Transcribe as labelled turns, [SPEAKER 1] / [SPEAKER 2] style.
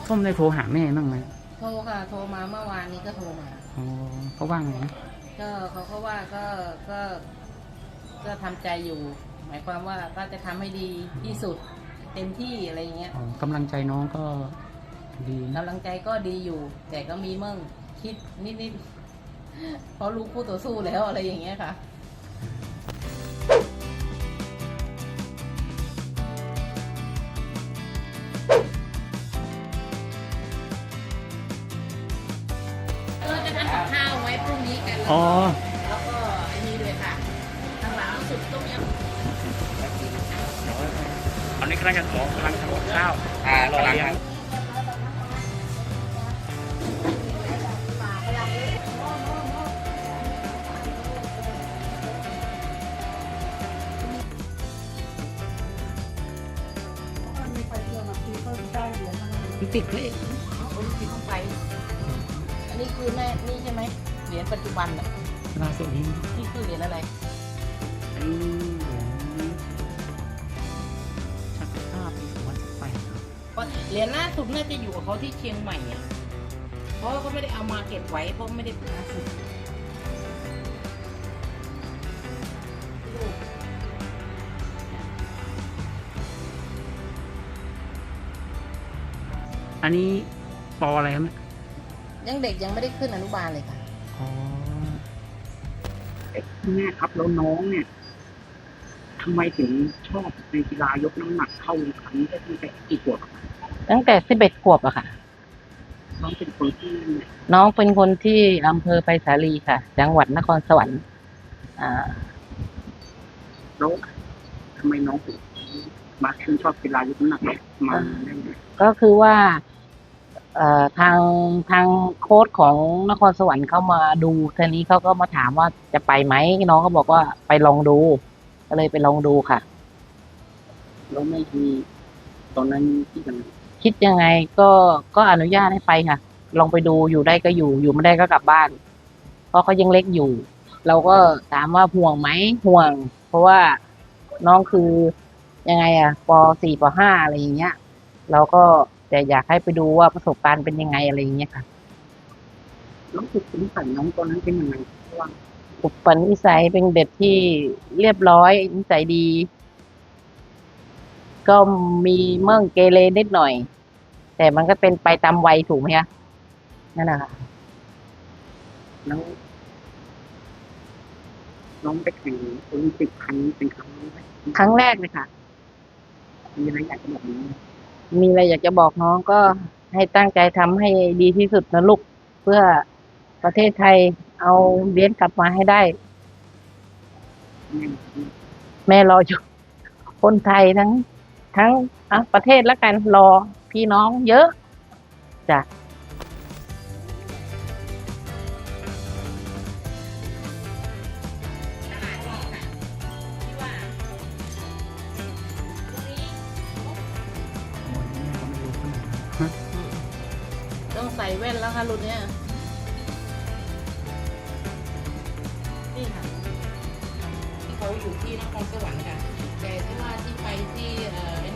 [SPEAKER 1] ส้มได้โทรหาแม่บ้างไหม
[SPEAKER 2] โทรค่ะโทรมาเมื่อวานนี้ก็โทรมา
[SPEAKER 1] อ๋อเขาว่างไง
[SPEAKER 2] ก็เขาก็ว่าก็ก็ทำใจอยู่ หมายความว่าก็จะทำให้ดีที่สุดเต็มที่อะไรอย่างเงี้ย
[SPEAKER 1] กำลังใจน้องก็ดี
[SPEAKER 2] กำลังใจก็ดีอยู่ แต่ก็มีเมื่อคิดนิดเพราะลูกคู่ต่อสู้แล้วอะไรอย่างเงี้ยค่ะเราจะทำกับข้าวไว้พรุ่งนี้กันแล้วก็อันนี้ด้วยค่ะทางหลังสุดต้มยำ
[SPEAKER 1] ตอนนี้กำลังจะกำลังทำกับข้าวรอเลี้ยงติดเลย
[SPEAKER 2] โอลิมปิกต้องไปอันนี้คือแม่นี่ใช่ไหมเหรียญปัจจุบันอ่ะ
[SPEAKER 1] ล่าสุดนี้
[SPEAKER 2] นี่คือเหรียญอะไร
[SPEAKER 1] อันนี้เหรียญชักภาพปี2018ครับ
[SPEAKER 2] เหรียญล่าสุดน่าจะอยู่กับเขาที่เชียงใหม่อ่ะเพราะเขาไม่ได้เอามาเก็บไว้เพราะไม่ได้เป็นล่าสุด
[SPEAKER 1] อันนี้ปออะไรครับ
[SPEAKER 2] ยังเด็กยังไม่ได้ขึ้นอนุบาลเลยค่ะ
[SPEAKER 1] อ๋อแม่ครับแล้วน้องเนี่ยทำไมถึงชอบในกีฬายกน้ำหนักเข้าครั้งได้ตั้งแต่กี่ขวบ
[SPEAKER 2] ตั้งแต่11 ขวบอะค่ะ
[SPEAKER 1] น้องเป็นคนที่
[SPEAKER 2] น้องเป็นคนที่อำเภอไผ่สาลีค่ะจังหวัดนครสวรรค์
[SPEAKER 1] แล้วทำไมน้องถึงมาชื่นชอบกีฬายกน้ำหนักมาได้ไง
[SPEAKER 2] ก็คือว่าทางโค้ชของนครสวรรค์เข้ามาดูทีนี้เขาก็มาถามว่าจะไปไหมน้องก็บอกว่าไปลองดูก็เลยไปลองดูค่ะ
[SPEAKER 1] แล้วไม่มีตอนนั้น
[SPEAKER 2] คิดยังไงก็อนุญาตให้ไปค่ะลองไปดูอยู่ได้ก็อยู่ไม่ได้ก็กลับบ้านเพราะเขายังเล็กอยู่เราก็ถามว่าห่วงไหมห่วงเพราะว่าน้องคือยังไงอะป.4 ป.5อะไรอย่างเงี้ยเราก็แต่อยากให้ไปดูว่าประสบการณ์เป็นยังไงอะไรอย่างเงี้ยค่ะ
[SPEAKER 1] น้องฝึกนิสัยน้องตอนนั้นเป็นยังไงว่า
[SPEAKER 2] อุปนิสัยเป็นเด็กที่เรียบร้อยนิสัยดีก็มีเมื่อเกเรนิดหน่อยแต่มันก็เป็นไปตามวัยถูกไหมคะนั่นแหละค่ะ
[SPEAKER 1] แล้วน้องไปแข่งโอลิมปิกครั้งนี้เป็นครั้ง
[SPEAKER 2] แรกเลยค่ะ
[SPEAKER 1] มีอะไรอยากจะบอกน้อง
[SPEAKER 2] มีอะไรอยากจะบอกน้องก็ให้ตั้งใจทำให้ดีที่สุดนะลูกเพื่อประเทศไทยเอาเหรียญกลับมาให้ได้แม่รออยู่คนไทยทั้งประเทศแล้วกันรอพี่น้องเยอะจ้ะต้องใส่แว่นแล้วค่ะรุ่นเนี้ยนี่ค่ะที่เขาอยู่ที่นครสวรรค์ค่ะแต่ที่ว่าที่ไปที่